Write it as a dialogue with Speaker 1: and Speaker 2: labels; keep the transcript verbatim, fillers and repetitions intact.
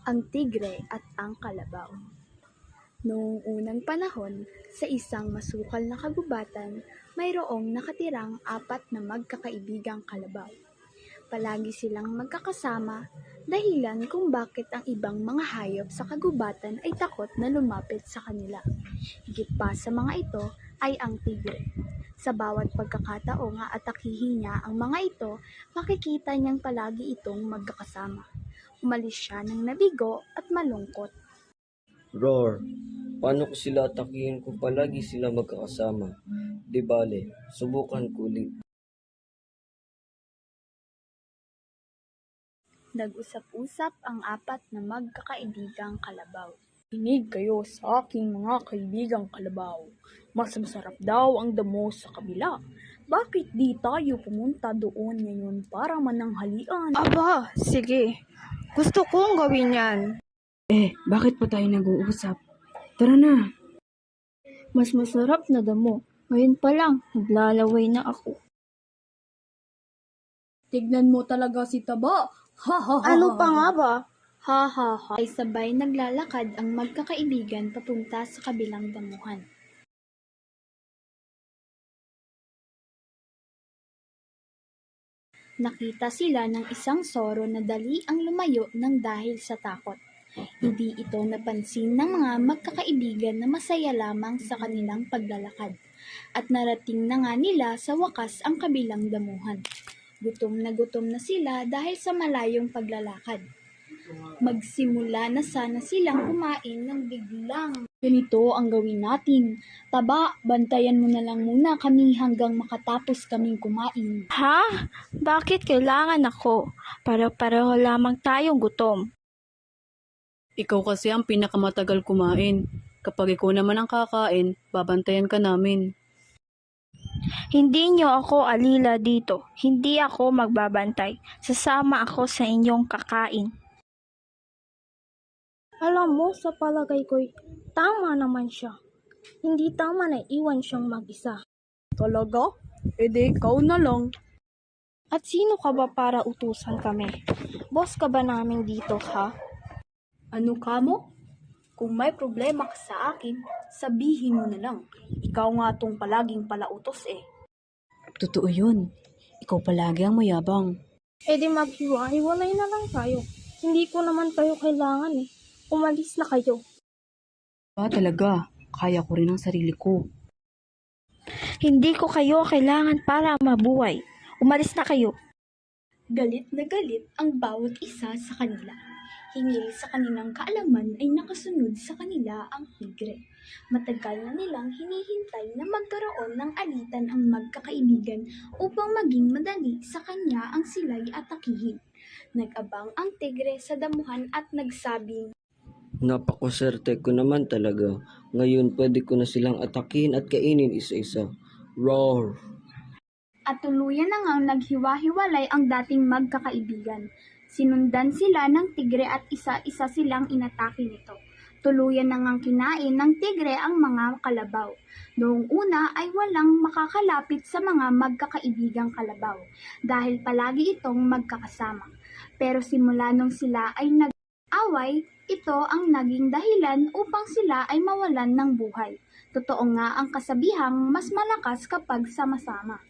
Speaker 1: Ang tigre at ang kalabaw. Noong unang panahon, sa isang masukal na kagubatan, mayroong nakatirang apat na magkakaibigang kalabaw. Palagi silang magkakasama, dahilan kung bakit ang ibang mga hayop sa kagubatan ay takot na lumapit sa kanila. Higit pa sa mga ito ay ang tigre. Sa bawat pagkakataong aatakihin niya ang mga ito, makikita niyang palagi itong magkakasama. Umalis siya ng nabigo at malungkot.
Speaker 2: Roar! Paano ko sila atakihin kung palagi sila magkakasama? Di bale, subukan ko ulit.
Speaker 1: Nag-usap-usap ang apat na magkakaibigang kalabaw. Kinig kayo sa aking mga kaibigang kalabaw. Mas masarap daw ang damo sa kabila. Bakit di tayo pumunta doon ngayon para mananghalian?
Speaker 3: Aba, sige. Gusto kong gawin yan.
Speaker 4: Eh, bakit pa tayo nag-uusap? Tara na.
Speaker 3: Mas masarap na damo. Ngayon pa lang, naglalaway na ako.
Speaker 1: Tignan mo talaga si Taba. Ha ha ha.
Speaker 3: Ano pa nga ba?
Speaker 1: Ha ha ha. Ay sabay naglalakad ang magkakaibigan papunta sa kabilang damuhan. Nakita sila ng isang soro na dali ang lumayo ng dahil sa takot. Hindi ito napansin ng mga magkakaibigan na masaya lamang sa kanilang paglalakad. At narating na nga nila sa wakas ang kabilang damuhan. Gutom na gutom na sila dahil sa malayong paglalakad. Magsimula na sana silang kumain ng biglang. Ganito ang gawin natin. Taba, bantayan mo na lang muna kami hanggang makatapos kaming kumain.
Speaker 3: Ha? Bakit kailangan ako? Para-pareho lamang tayong gutom.
Speaker 4: Ikaw kasi ang pinakamatagal kumain. Kapag ikaw naman ang kakain, babantayan ka namin.
Speaker 3: Hindi niyo ako alila dito. Hindi ako magbabantay. Sasama ako sa inyong kakain. Alam mo, sa palagay ko'y tama naman siya. Hindi tama na iwan siyang mag-isa.
Speaker 1: Talaga? E di ikaw na lang.
Speaker 3: At sino ka ba para utusan kami? Boss ka ba namin dito, ha?
Speaker 1: Ano ka mo? Kung may problema ka sa akin, sabihin mo na lang. Ikaw nga tong palaging palautos eh.
Speaker 4: Totoo yun. Ikaw palagi ang mayabang.
Speaker 3: E di maghiwa-hiwalay na lang tayo. Hindi ko naman kayo kailangan eh. Umalis na kayo.
Speaker 4: Ba talaga, kaya ko rin ang sarili ko.
Speaker 3: Hindi ko kayo kailangan para mabuhay. Umalis na kayo.
Speaker 1: Galit na galit ang bawat isa sa kanila. Hinggil sa kanilang kaalaman ay nakasunod sa kanila ang tigre. Matagal na nilang hinihintay na magkaroon ng alitan ang magkakaibigan upang maging madali sa kanya ang sila'y atakihin. Nag-abang ang tigre sa damuhan at nagsabing,
Speaker 2: Napakaswerte ko naman talaga. Ngayon pwede ko na silang atakihin at kainin isa-isa. Roar!
Speaker 1: At tuluyan na ngang naghiwa-hiwalay ang dating magkakaibigan. Sinundan sila ng tigre at isa-isa silang inatake nito. Tuluyan na ngang kinain ng tigre ang mga kalabaw. Noong una ay walang makakalapit sa mga magkakaibigang kalabaw dahil palagi itong magkakasama. Pero simula nung sila ay nag-away, ito ang naging dahilan upang sila ay mawalan ng buhay. Totoo nga ang kasabihang mas malakas kapag sama-sama.